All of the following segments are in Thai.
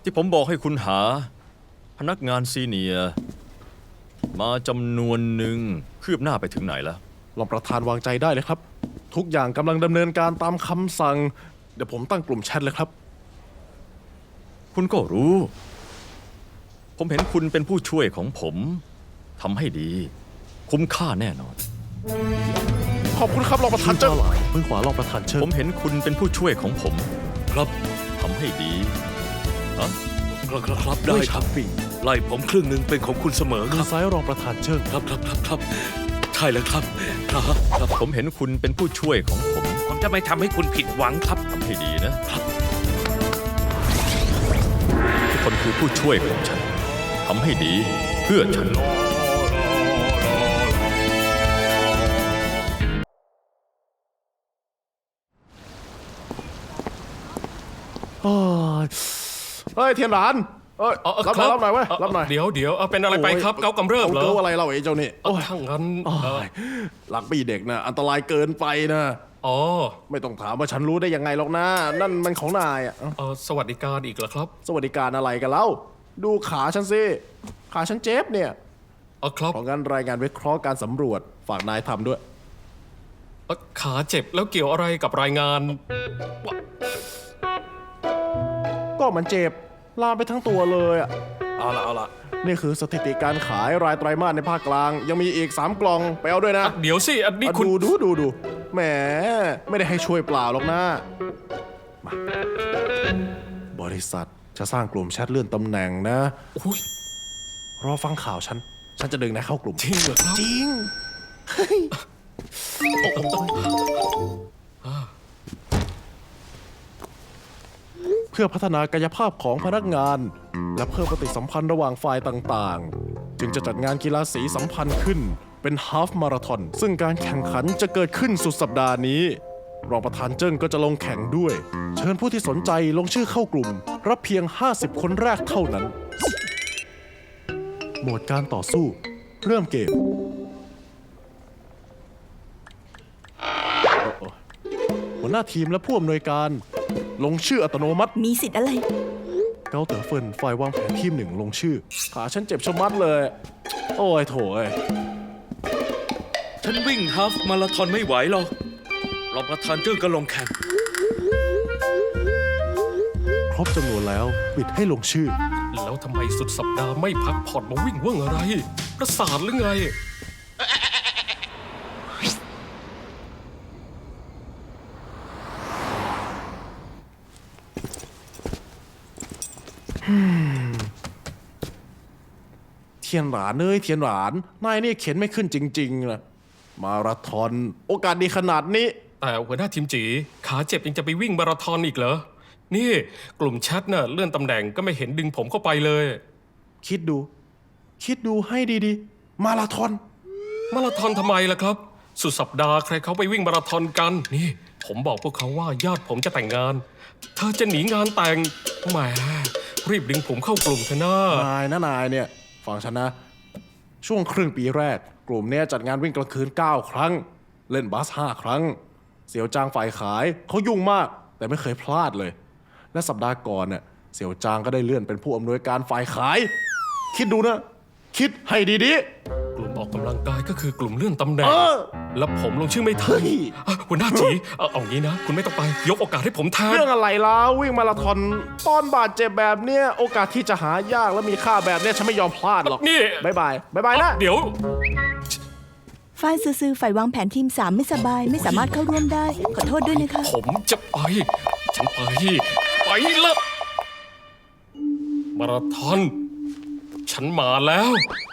ที่ผมบอกให้คุณหาพนักงานซีเนียร์มาจำนวนหนึ่งคืบหน้าไปถึงไหนแล้วรองประธานวางใจได้เลยครับทุกอย่างกำลังดำเนินการตามคำสั่งเดี๋ยวผมตั้งกลุ่มแชทเลยครับคุณก็รู้ ผมเห็นคุณเป็นผู้ช่วยของผมทำให้ดี คุ้มค่าแน่นอนขอบคุณครับรองประธานเจ้ามือขวารองประธานเชิญผมเห็นคุณเป็นผู้ช่วยของผมครับทำให้ดีฮะครับได้ครับไล่ผมครึ่งหนึ่งเป็นของคุณเสมอคมืรัอบซ้ายรองประธานเชิญครับใช่แล้วครับผมเห็นคุณเป็นผู้ช่วยของผมจะไม่ทำให้คุณผิดหวังครับทำให้ดีนะครับทุกคนคือผู้ช่วยของฉันทำให้ดีเพื่อฉันเฮ้ยเทียนหลานรับหน่อยเว้ยรับหน่อยเดี๋ยวเป็นอะไรไปครับเกากำเริบเหรอเกาอะไรเราไอ้เจ้านี่ถ้างั้นหลักปีเด็กนะอันตรายเกินไปนะอ๋อไม่ต้องถามว่าฉันรู้ได้ยังไงหรอกนะนั่นมันของนายอ่ะสวัสดิการอีกเหรอครับสวัสดิการอะไรกันเล่าดูขาฉันสิขาฉันเจ็บเนี่ยครับเพราะงั้นรายงานวิเคราะห์การสำรวจฝากนายทำด้วยขาเจ็บแล้วเกี่ยวอะไรกับรายงานก็มันเจ็บลามไปทั้งตัวเลยอ่ะเอาละนี่คือสถิติการขายรายไตรมาสในภาคกลางยังมีอีก3กล่องไปเอาด้วยนะเดี๋ยวสิอันนี้คุณดูแหมไม่ได้ให้ช่วยเปล่าหรอกนะมาบริษัทจะสร้างกลุ่มแชทเลื่อนตำแหน่งนะรอฟังข่าวฉันจะดึงนายเข้ากลุ่มจริงเหรอครับจริงเพื่อพัฒนากายภาพของพนักงานและเพิ่มปฏิสัมพันธ์ระหว่างฝ่ายต่างๆจึงจะจัดงานกีฬาสีสัมพันธ์ขึ้นเป็นฮาล์ฟมาราธอนซึ่งการแข่งขันจะเกิดขึ้นสุดสัปดาห์นี้รองประธานเจิ้งก็จะลงแข่งด้วยเชิญผู้ที่สนใจลงชื่อเข้ากลุ่มรับเพียง50คนแรกเท่านั้นโหมดการต่อสู้เริ่มเกมหัวหน้าทีมและผู้อำนวยการลงชื่ออัตโนมัติมีสิทธิ์อะไรเกาเต๋อเฟินฝ่ายวางแผนทีม1ลงชื่อขาฉันเจ็บชะมัดเลยโอ้ยโถยฉันวิ่งฮาล์ฟมาราธอนไม่ไหวหรอกรองประธานเจิ้งก็ลงแข่งครบจำนวนแล้วปิดให้ลงชื่อแล้วทำไมสุดสัปดาห์ไม่พักผ่อนมาวิ่งเว่งอะไรประสาทหรือไงเทียนหลานเทียนหลานนายนี่เข็นไม่ขึ้นจริงๆนะมาราธอนโอกาสดีขนาดนี้แต่หัวหน้าทีมจีขาเจ็บยังจะไปวิ่งมาราธอนอีกเหรอนี่กลุ่มแชทน่ะเลื่อนตำแหน่งก็ไม่เห็นดึงผมเข้าไปเลยคิดดูให้ดีๆมาราธอนทำไมล่ะครับสุดสัปดาห์ใครเขาไปวิ่งมาราธอนกันนี่ผมบอกพวกเขาว่าญาติผมจะแต่งงานเธอจะหนีงานแต่งแหมรีบดึงผมเข้ากลุ่มเถอะนะนายเนี่ยฟังฉันนะช่วงครึ่งปีแรกกลุ่มเนี้ยจัดงานวิ่งกลางคืน9ครั้งเล่นบาส5ครั้งเสี่ยวจางฝ่ายขายเขายุ่งมากแต่ไม่เคยพลาดเลยและสัปดาห์ก่อนเนี่ยเสี่ยวจางก็ได้เลื่อนเป็นผู้อำนวยการฝ่ายขายคิดดูนะคิดให้ดีๆกลุ่มออกกำลังกายก็คือกลุ่มเลื่อนตำแหน่งแล้วผมลงชื่อไม่ทันหัวหน้าจีเอางี้นะคุณไม่ต้องไปยกโอกาสให้ผมแทนเรื่องอะไรล่ะวิ่งมาราธอนตอนบาดเจ็บแบบเนี้ยโอกาสที่จะหายากและมีค่าแบบเนี้ยฉันไม่ยอมพลาดหรอกนี่บ๊ายบายนะเดี๋ยวฝ้ายซื่อฝ่ายวางแผนทีม3ไม่สบายไม่สามารถเข้าร่วมได้ขอโทษด้วยนะคะผมจะไปฉันไปละมาราธอนฉันมาแล้ว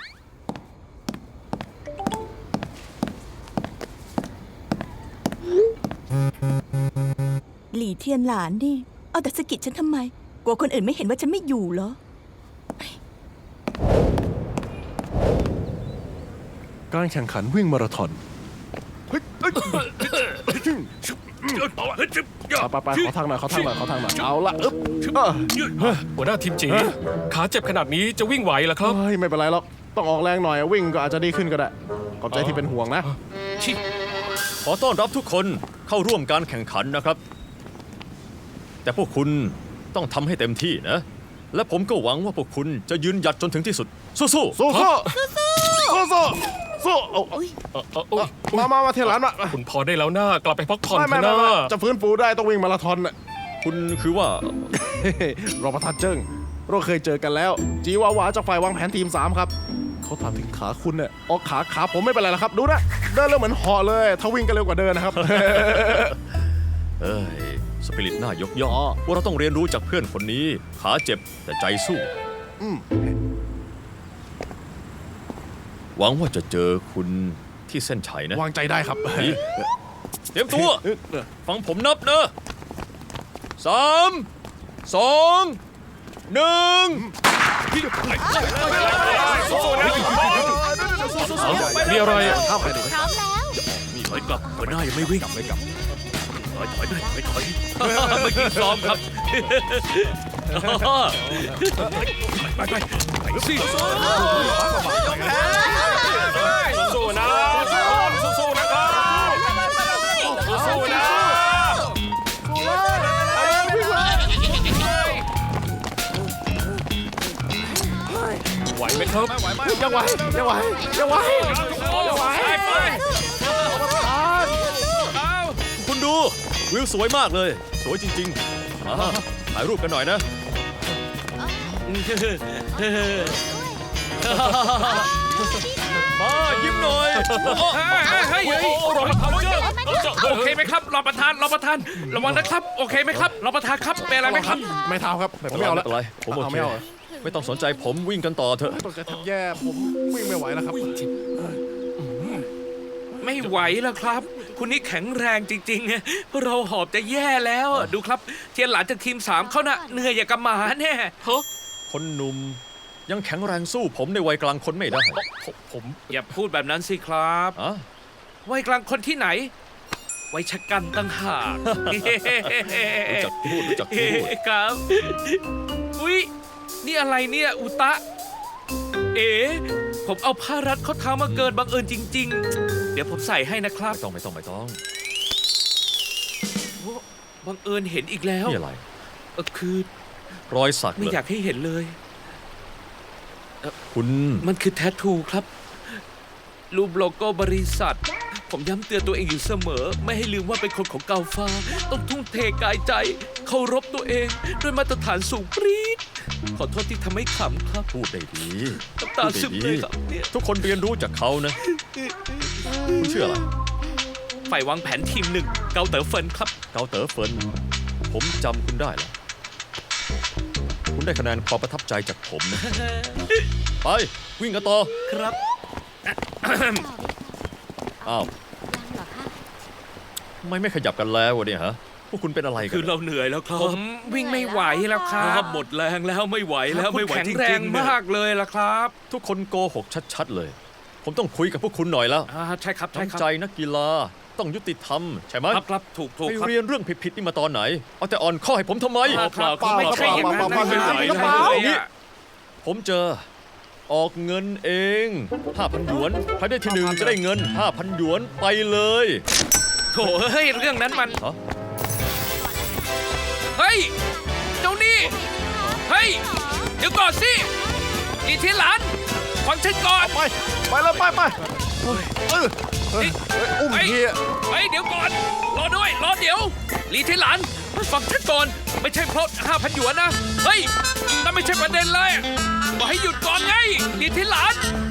หลี่เทียนหลานนี่เอาแต่สะกิดฉันทำไมกลัวคนอื่นไม่เห็นว่าฉันไม่อยู่เหรอการแข่งขันวิ่งมาราธอนไปขอทางหน่อยเอาละหัวหน้าทีมจีขาเจ็บขนาดนี้จะวิ่งไหวเหรอครับไม่เป็นไรหรอกต้องออกแรงหน่อยวิ่งก็อาจจะดีขึ้นก็ได้ขอบใจที่เป็นห่วงนะขอต้อนรับทุกคนเข้าร่วมการแข่งขันนะครับแต่พวกคุณต้องทำให้เต็มที่นะและผมก็หวังว่าพวกคุณจะยืนหยัดจนถึงที่สุด สู้สู้สู้สู้สู้เอา มาเทหลานมาคุณพอได้แล้วนะกลับไปพักผ่อนไม่เถอะนะจะฟื้นฟูได้ต้องวิ่งมาราธอนน่ะๆ คุณคือว่ารองประธานเจิ้งเราเคยเจอกันแล้ว จีวาวาจากฝ่ายวางแผนทีม 3 ครับ เขาถามถึงขาคุณเนี่ยออกขาผมไม่เป็นไรแล้วครับ ดูนะ เดินเร็วเหมือนเหาะเลย ถ้าวิ่งก็เร็วกว่าเดินนะครับเอ้ย สปิริตน่ายกย่องว่าเราต้องเรียนรู้จากเพื่อนคนนี้ ขาเจ็บแต่ใจสู้อืมหวังว่าจะเจอคุณที่เส้นชัยนะวางใจได้ครับดีเตรียมตัว ฟังผมนับนะ3 2 1 มีอะไรอะเข้าไปดินี่ถอยกลับหัวหน้ายังไม่วิ่งไม่กลับถอยไปถอยเมื่อกี้ซ้อมครับไปสิสู้นะสู้นะครับสู้นะไหวไหมครับยังไหวไปคุณดู วิวสวยมากเลย สวยจริงๆมาถ่ายรูปกันหน่อยนะ มายิ้มหน่อยรอประธานโอเคไหมครับรอประธานระวังนะครับโอเคไหมครับรอประธานครับเป็นอะไรไหมครับไม่เท้าครับผมไม่เอาแล้วอะไรผมโอเคไม่เอาเหรอไม่ต้องสนใจผมวิ่งกันต่อเถอะตกใจแทบแย่ผมวิ่งไม่ไหวแล้วครับไม่ไหวแล้วครับ คุณนี่แข็งแรงจริงๆพวกเราหอบจะแย่แล้วดูครับเทียนหลานจากทีม 3เขาน่ะเหนื่อยอย่างกับหมาแน่คนหนุ่มยังแข็งแรงสู้ผมในวัยกลางคนไม่ได้ผมอย่าพูดแบบนั้นสิครับอะวัยกลางคนที่ไหนวัยชะกันตั้งหากรู้จักพูดรู้จักพูดครับอุ๊ยนี่อะไรเนี่ยอุตะ เอ๋ผมเอาผ้ารัดข้อเท้ามาเกินบังเอิญจริง ๆ เดี๋ยวผมใส่ให้นะครับไม่ต้องโอ้บังเอิญเห็นอีกแล้วนี่อะไรคือรอยสักไม่เหรอยากให้เห็นเลยคุณมันคือแทททูครับ รูปโลโก้บริษัท ผมย้ำเตือนตัวเองอยู่เสมอ ไม่ให้ลืมว่าเป็นคนของเกาฟ้า ต้องทุ่มเทกายใจ เคารพตัวเองด้วยมาตรฐานสูงปรี๊ดขอโทษที่ทำให้ขำครับพูดได้ดีน้ำตาซึมเลยครับเนี่ยทุกคนเรียนรู้จากเขานะ คุณชื่ออะไรฝ่ายวางแผนทีม 1 เกาเต๋อเฟินครับเกาเต๋อเฟินผมจำคุณได้แล้ว คุณได้คะแนนความประทับใจจากผมนะ ไป วิ่งกันต่อครับอ้าวทำไมไม่ขยับกันแล้ววะเนี่ยฮะ พวกคุณเป็นอะไรกัคือน เราเหนื่อยแล้วครับ ผมวิ่งไม่ไหวแล้วครับหมดแรงแล้วไม่ไหวแล้วไม่ไหวจริงๆแข็งแรงมากเลยล่ะครับทุกคนโกหกชัดๆเลย ผมต้องคุยกับพวกคุณหน่อยแล้วใช่ครับใช่ครัน้ำใจนักกีฬาต้องยุติธรรมใช่ไหมครับถูกไปครับเรียนเรื่องผิดๆนี่มาตอนไหน เอาแต่อ่อนข้อให้ผมทำไมไม่ใช่อย่างนั้นเปล่าไม่ไหวกระเป๋าเลยอะผมเจอออกเงินเอง 5,000 หยวนใครได้ที่หนึ่งจะได้เงิน 5,000 หยวนไปเลยโถเฮ้ยเรื่องนั้นมันฮะเฮ้ยเจ้านี่เฮ้ยเดี๋ยวก่อนสิลีเทียนหลานฟังฉันก่อนไปเลยไปอุ้มทีเฮ้ยเดี๋ยวก่อนรอด้วยรอเดี๋ยวลีเทียนหลานฟังฉันก่อนไม่ใช่เพราะ 5,000 หยวนนะเฮ้ยนั่นไม่ใช่ประเด็นเลยบอกให้หยุดก่อนไงลีเทียนหลาน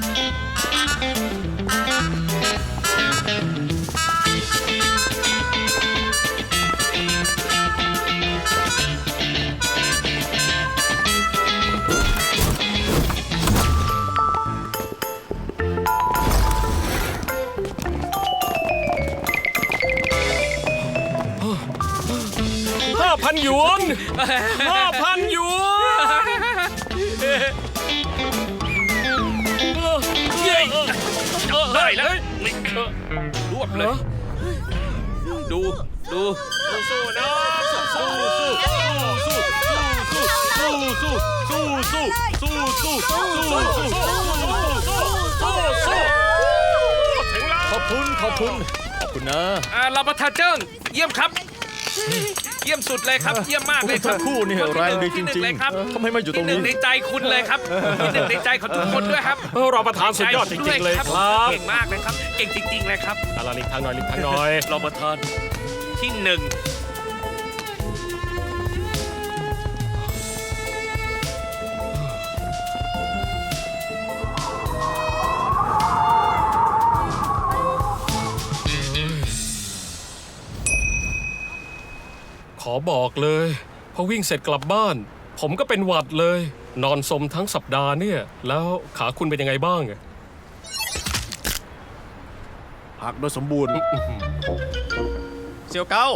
5,000 หยวน 5,000 หยวนได้แล้วรวบเลย ดูสู้นะสู้ถึงแล้วขอบคุณนะเราประทานเจิ้งเยี่ยมครับเยี่ยมสุดเลยครับ เยี่ยมมากพวกเลยคทั้รับงคู่นี่แรงดีจที่หนึ่ริงเลยครับๆทำไมมาอยู่ตรงที่หนึ่นี้งในใจคุณเลยครับที่หนึ่งในใจของทุกคนด้วยครับรองประธานสุดยอดจริงๆเลยครับเก่งมากเลยครับ เก่งจริงๆเลยครับอาลาลิกทางหน่อยลิกทางหน่อยรองประธานที่หนึ่งขอบอกเลยพอวิ่งเสร็จกลับบ้าน ผมก็เป็นหวัดเลย นอนสมทั้งสัปดาห์เนี่ย แล้วขาคุณเป็นยังไงบ้างหักโดยสมบูรณ์เสี่ยวเก้า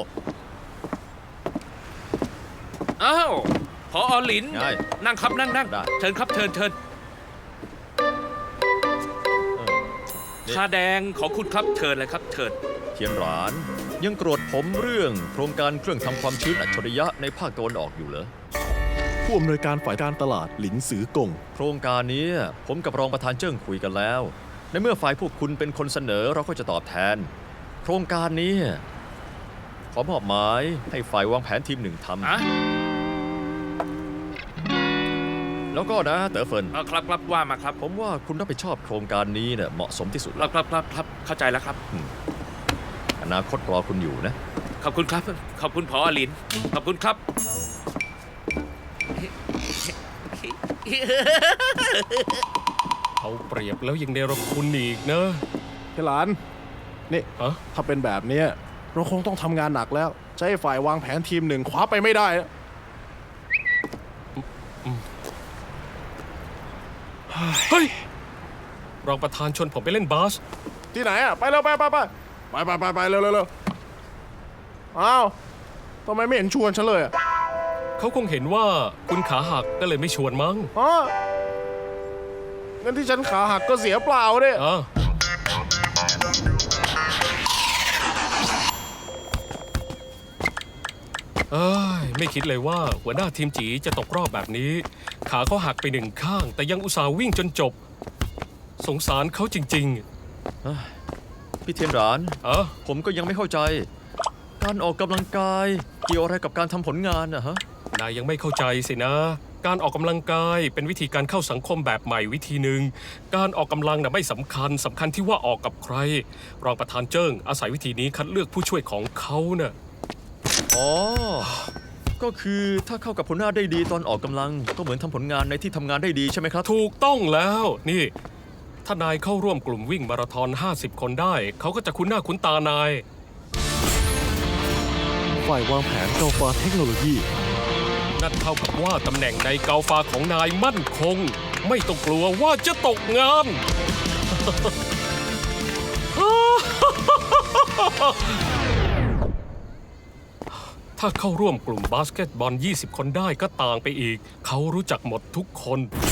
อ้าวพอหลินไงนั่งครับนั่งได้เชิญครับเชิญนี่ชาแดงของคุณครับเชิญเลยครับเชิญเทียนหรานยังโกรธผมเรื่องโครงการเครื่องทำความชื้นอัจฉริยะในภาคตะวันออกอยู่เหรอผู้อำนวยการฝ่ายการตลาดหลินสือกงโครงการนี้ผมกับรองประธานเจิ้งคุยกันแล้ว ในเมื่อฝ่ายพวกคุณเป็นคนเสนอเราก็จะตอบแทน โครงการนี้ขอมอบหมายให้ฝ่ายวางแผนทีมหนึ่งทอะำแล้วก็นะเต๋อเฟินครับว่ามาครับผมว่าคุณรับผิดชอบโครงการนี้เนี่ยเหมาะสมที่สุดคแล้รัวบเข้าใจแล้วครับอนาคตรอคุณอยู่นะขอบคุณครับ ขอบคุณพอหลิน ขอบคุณครับเอาเปรียบแล้วยังเนรคุณอีกนะพี่หลาน นี่ฮะถ้าเป็นแบบเนี้ยเราคงต้องทำงานหนักแล้ว จะให้ฝ่ายวางแผนทีมหนึ่งคว้าไปไม่ได้นะเฮ้ย รองประธานชวนผมไปเล่นบาสที่ไหนอะไปเร็วไปเร็วอ้าวทำไมไม่เห็นชวนฉันเลยอะเขาคงเห็นว่าคุณขาหักก็เลยไม่ชวนมั้งอ๋องั้นที่ฉันขาหักก็เสียเปล่าเนี่ยอ่ะเอ้ยไม่คิดเลยว่าหัวหน้าทีมจีจะตกรอบแบบนี้ ขาเขาหักไปหนึ่งข้าง แต่ยังอุตส่าห์วิ่งจนจบ สงสารเขาจริงพี่เทียนหรานๆ เออผมก็ยังไม่เข้าใจ การออกกำลังกายเกี่ยวอะไรกับการทำผลงานนะฮะนายยังไม่เข้าใจสินะ การออกกำลังกายเป็นวิธีการเข้าสังคมแบบใหม่วิธีหนึ่ง การออกกำลังน่ะไม่สำคัญที่ว่าออกกับใคร รองประธานเจิ้งอาศัยวิธีนี้คัดเลือกผู้ช่วยของเขาน่ะอ๋อ ก็คือถ้าเข้ากับผลหน้าได้ดีตอนออกกำลัง ก็เหมือนทำผลงานในที่ทำงานได้ดีใช่ไหมครับถูกต้องแล้ว นี่ ถ้านายเข้าร่วมกลุ่มวิ่งมาราธอน 50 คนได้ เขาก็จะคุ้นหน้าคุ้นตานายฝ่ายวางแผนเกาฟ้าเทคโนโลยีนั่นเท่ากับว่าตำแหน่งในเกาฟาของนายมั่นคง ไม่ต้องกลัวว่าจะตกงาน ถ้าเข้าร่วมกลุ่มบาสเกตบอล 20 คนได้ก็ต่างไปอีก เขารู้จักหมดทุกคน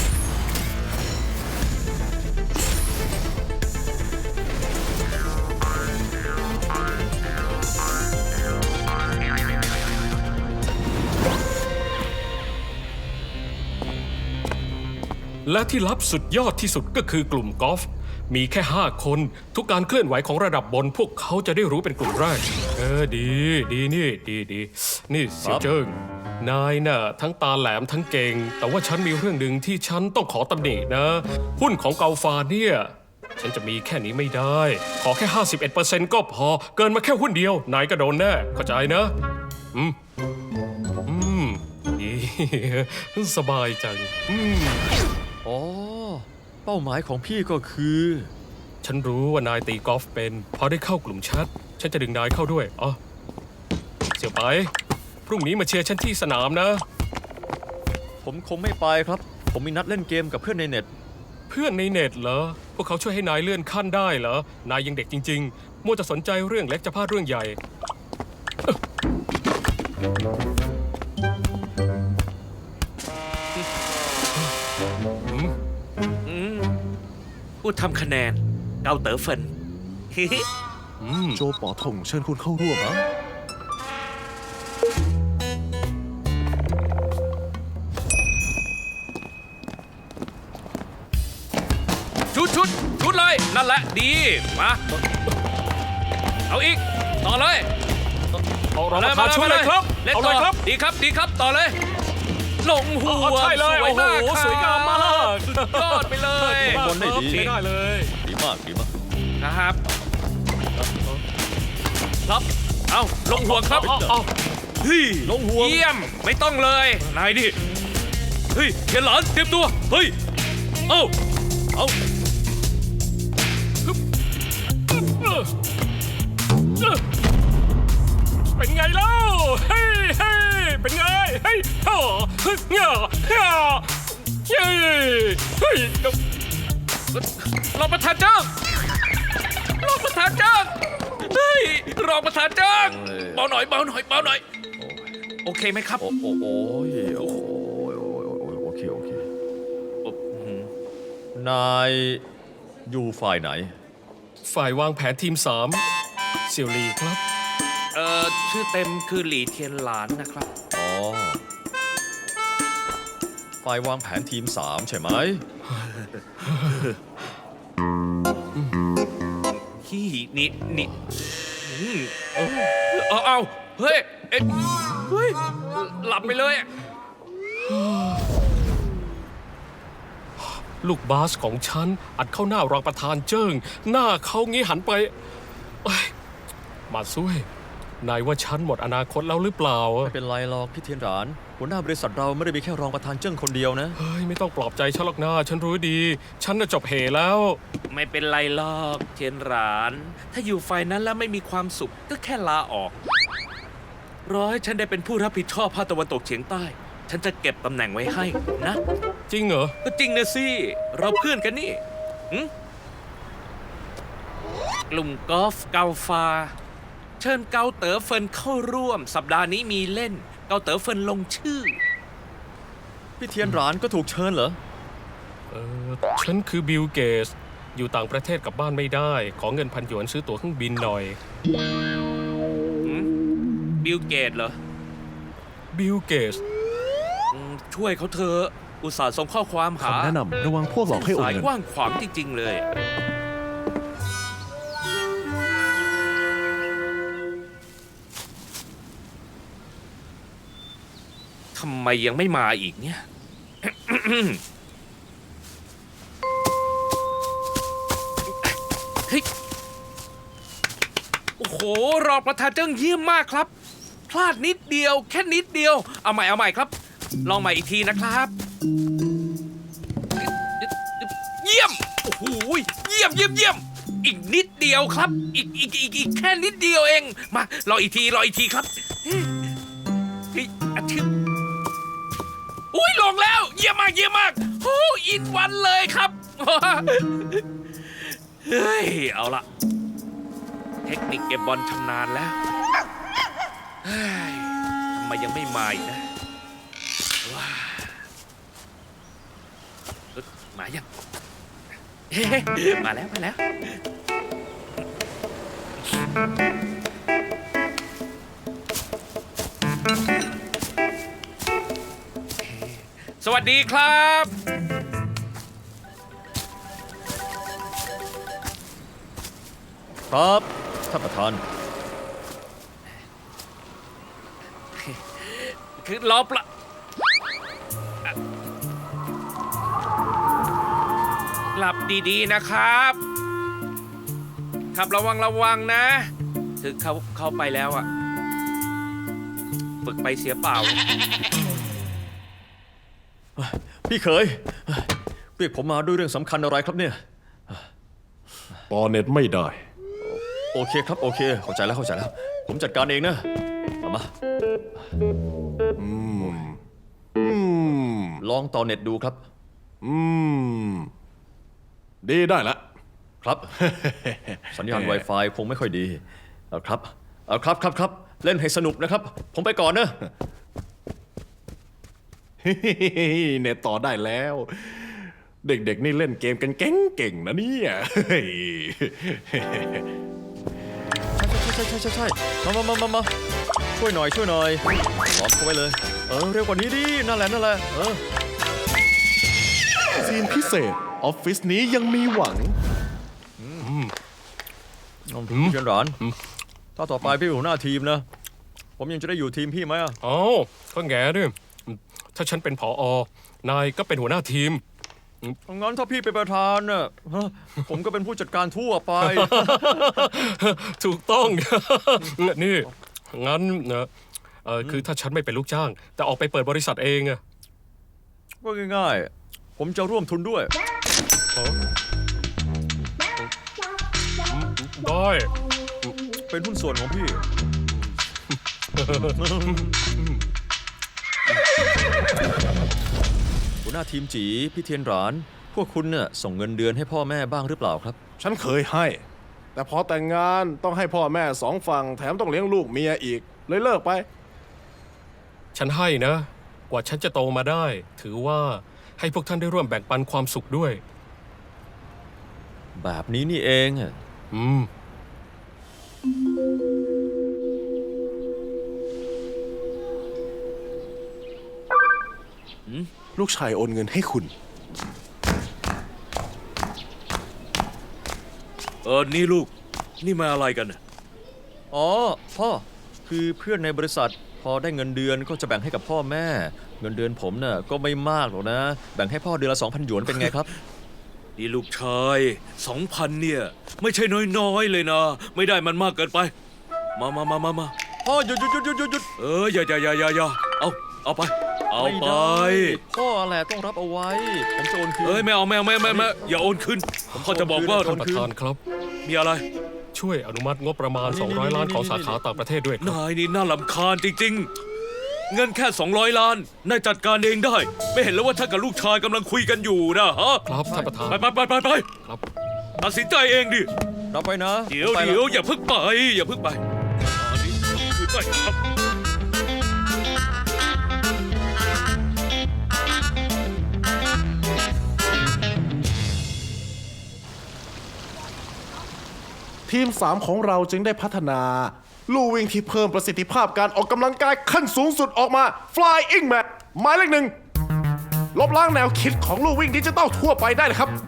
และที่ลับสุดยอดที่สุดก็คือกลุ่มกอล์ฟมีแค่ 5 คน ทุกการเคลื่อนไหวของระดับบนพวกเขาจะได้รู้เป็นกลุ่มแรก ดีนี่เสี่ยวเจิ้งนายน่ะทั้งตาแหลมทั้งเก่ง แต่ว่าฉันมีเรื่องหนึ่งที่ฉันต้องขอตำหนินะ หุ้นของเกาฟาเนี่ย ฉันจะมีแค่นี้ไม่ได้ ขอแค่ 51% ก็พอ เกินมาแค่หุ้นเดียวนายก็โดนแน่เข้าใจนะดี สบายจังอ๋อ เป้าหมายของพี่ก็คือฉันรู้ว่านายตีกอล์ฟเป็น พอได้เข้ากลุ่มแชทฉันจะดึงนายเข้าด้วยอ๋อเสี่ยวไป พรุ่งนี้มาเชียร์ฉันที่สนามนะผมคงไม่ไปครับ ผมมีนัดเล่นเกมกับเพื่อนในเน็ตเพื่อนในเน็ตเหรอ พวกเขาช่วยให้นายเลื่อนขั้นได้เหรอ นายยังเด็กจริงๆ มัวจะสนใจเรื่องเล็กจะพลาดเรื่องใหญ่ผู้ทำคะแนน เกาเต๋อเฟินโจป๋อถงเชิญคุณเข้าร่วมชุดเลย นั่นแหละดี มา เอาอีก ต่อเลยเอารองประธานช่วยเลยครับเล่นเอาต่เลอยครับดีครับดีครับต่อเลย ลงหัวใช่เลยโอ้โหครับสวยงามมากสุดยอดไปเลยบอลได้ดีใช้ได้เลยดีมากดีมากนะครับ ครับ เอาลงหัวครับเอาเฮ้ยลงห่วงเยี่ยมไม่ต้องเลยนายดิเฮ้ยเทียนหลานเตรียมตัวเฮ้ยเอาเป็นไงเล่าเฮ้ยเฮ้ยเป็นไงเฮ้ยฮ่าเฮ้ยเฮ้ยเฮ้ยเฮ้ยรองประธานจ้างรองประธานจ้างเฮ้ยรองประธานจ้างเบาหน่อยเบาหน่อยเบาหน่อยโอเคไหมครับโอ้โอ้โอ้ยโอ้ยโอ้ยโอ้ยโอเคโอเค นายอยู่ฝ่ายไหนฝ่ายวางแผนทีม 3 เซียวลีครับชื่อเต็มคือหลีเทียนหลานนะครับอ๋อ ฝ่ายวางแผนทีม 3 ใช่ไหมขี้นี่เอาเฮ้ยเอ็ดเฮ้ยหลับไปเลยอะลูกบาสของฉัน อัดเข้าหน้ารองประธานเจิ้ง หน้าเขางี้หันไปเอ้ยมาซุยนายว่าฉันหมดอนาคตแล้วหรือเปล่าอะไม่เป็นไรหรอกพี่เทียนหลาน หัวหน้าบริษัทเราไม่ได้มีแค่รองประธานเจิ้งคนเดียวนะเฮ้ยไม่ต้องปลอบใจฉันหรอกนะฉันรู้ดี ฉันน่ะจบเหแล้วไม่เป็นไรหรอกเทียนหลาน ถ้าอยู่ฝ่ายนั้นแล้วไม่มีความสุขก็แค่ลาออกรอให้ฉันได้เป็นผู้รับผิดชอบภาคตะวันตกเฉียงใต้ ฉันจะเก็บตำแหน่งไว้ให้นะจริงเหรอก็จริงนะสิ เราเพื่อนกันนี่กลุ่มกอล์ฟเกาฟา เชิญเกาเต๋อเฟินเข้าร่วม สัปดาห์นี้มีเล่น เกาเต๋อเฟินลงชื่อพี่เทียนหลานก็ถูกเชิญเหรอฉันคือบิลเกสอยู่ต่างประเทศกลับบ้านไม่ได้ ขอเงิน1,000 หยวนซื้อตั๋วเครื่องบินหน่อยบิลเกตเหรอบิลเกสช่วยเขาเถอะอุตส่าห์ส่งข้อความหาคำแนะนำระวังพวกหลอกให้โอนสายเงินกว้างขวางจริง ๆ เลย ทำไมยังไม่มาอีกเนี่ย เฮ้ย โอ้โห รองประธานเจิ้งเยี่ยมมากครับ พลาดนิดเดียว แค่นิดเดียว เอาใหม่ครับ ลองใหม่อีกทีนะครับ เยี่ยม โอ้โห เยี่ยม อีกนิดเดียวครับ อีกแค่นิดเดียวเอง มารออีกทีครับเฮ้ยอาทิตย์อุ้ยลงแล้ว เยี่ยมมากโอ้อินวันเลยครับ เฮ้ย เอาละเทคนิคเก็บบอลชำนาญแล้วเฮ้ยทำไมยังไม่มาอีกนะว้ามายังเฮ้มาแล้ว สวัสดีครับครับท่านประธานคือรอปละหลับดีๆนะครับขับระวังนะ ถึงเข้าไปแล้วอะฝึกไปเสียเปล่าพี่เขยเรียกผมมาด้วยเรื่องสำคัญอะไรครับเนี่ยต่อเน็ตไม่ได้โอเคครับโอเค เข้าใจแล้ว ผมจัดการเองนะเอามาลองต่อเน็ตดูครับดีได้ละครับ สัญญาณ Wi-Fi คงไม่ค่อยดีเอาครับ เล่นให้สนุกนะครับ ผมไปก่อนนะเน็ตต่อได้แล้ว เด็กๆนี่เล่นเกมกันเก่งๆนะเนี่ยใช่มาช่วยหน่อยล้อมเขาไว้เลยเร็วกว่านี้ดินั่นแหละซีนพิเศษ ออฟฟิศนี้ยังมีหวังพี่เชียนหลานถ้าต่อไปพี่เป็นหัวหน้าทีมนะผมยังจะได้อยู่ทีมพี่ไหมอะอ๋อก็แง่ด้วยถ้าฉันเป็นผอ นายก็เป็นหัวหน้าทีมงั้นถ้าพี่เป็นประธานน่ะฮะผมก็เป็นผู้จัดการทั่วไปถูกต้อง นี่ งั้นนะคือถ้าฉันไม่เป็นลูกจ้าง แต่ออกไปเปิดบริษัทเองอะก็ง่ายๆ ผมจะร่วมทุนด้วยได้เป็นหุ้นส่วนของพี่ หัวหน้าทีมจีพี่เทียนหราน พวกคุณเนี่ยส่งเงินเดือนให้พ่อแม่บ้างหรือเปล่าครับฉันเคยให้ แต่พอแต่งงานต้องให้พ่อแม่สองฝั่งแถมต้องเลี้ยงลูกเมียอีก เลยเลิกไปฉันให้นะ กว่าฉันจะโตมาได้ ถือว่าให้พวกท่านได้ร่วมแบ่งปันความสุขด้วยแบบนี้นี่เองอะอืมลูกชายโอนเงินให้คุณนี่ลูก นี่มาอะไรกันน่ะอ๋อ พ่อ คือเพื่อนในบริษัท พอได้เงินเดือนก็จะแบ่งให้กับพ่อแม่ เงินเดือนผมน่ะก็ไม่มากหรอกนะ แบ่งให้พ่อเดือนละ 2,000 หยวนเป็นไงครับนี่ลูกชาย 2,000 เนี่ย ไม่ใช่น้อยๆเลยนะ ไม่ได้มันมากเกินไป มาพ่อหยุดอย่าเอาไป เอาไม่ไปได้ พ่อแหละต้องรับเอาไว้ ผมจะโอนคืนไม่เอาอย่าโอนคืนพ่อจะบอกว่าโอท่านนประคืนธานครับมีอะไรช่วยอนุมัติงบประมาณ 200 ล้านของสาขาต่างประเทศด้วยครับนายนี่น่ารำคาญจริงๆ เงินแค่ 200 ล้าน นายจัดการเองได้ ไม่เห็นแล้วว่าท่านกับลูกชายกำลังคุยกันอยู่นะฮะครับท่านประธานไปครับตัดสินใจเองดิรับไว้นะเดี๋ยวไปแล้วอย่าเพิ่งไปอันนี้คือได้ครับทีม 3 ของเราจึงได้พัฒนา ลู่วิ่งที่เพิ่มประสิทธิภาพการออกกำลังกายขั้นสูงสุดออกมา Flying Mat หมายเลข 1 ลบล้างแนวคิดของลู่วิ่งดิจิตอลทั่วไปได้เลยครับ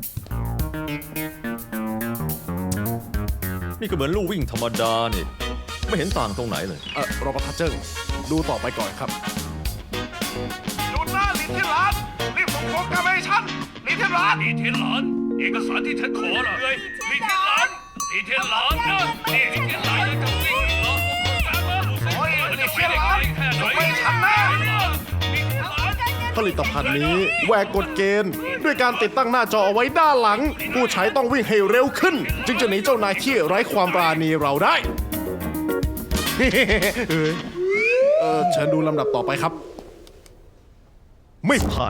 นี่ก็เหมือนลู่วิ่งธรรมดานี่ ไม่เห็นต่างตรงไหนเลยรอประทานเจิ้งดูต่อไปก่อนครับหยุดนะลิเทียนหลานรีบส่งโปรแกรมให้ฉันลิเทียนหลานลีเทียนหลาน เอกสารที่ฉันขอน่ะเลยลีเทียนหลานลีเทียนหลานนะนี่ลีเทียนหลานจะวิ่งเหรอโอ้ยลีเทียนหลานยกให้ฉันนะ ผลิตภัณฑ์นี้แหวกกฎเกณฑ์ ด้วยการติดตั้งหน้าจอเอาไว้ด้านหลัง ผู้ใช้ต้องวิ่งให้เร็วขึ้น จึงจะหนีเจ้านายที่ไร้ความปราณีเราได้ เชิญดูลำดับต่อไปครับ ไม่ผ่าน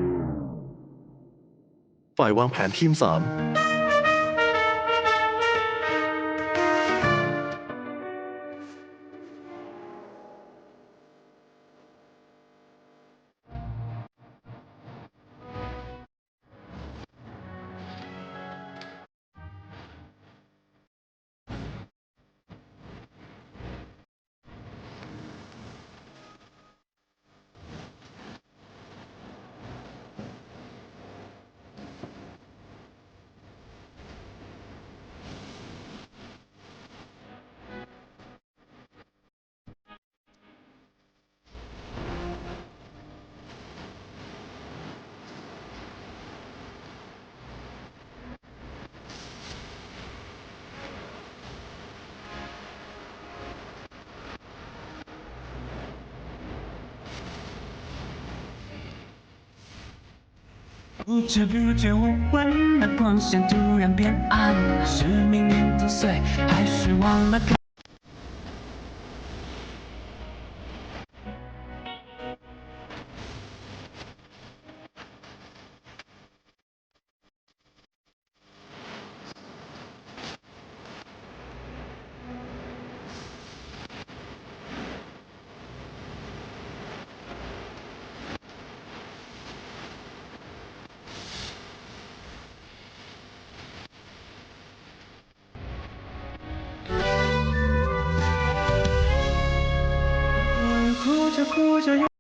ฝ่ายวางแผนทีม 3 不知不觉我温暖光线突然变暗，是命运作祟，还是忘了？哭着哭着。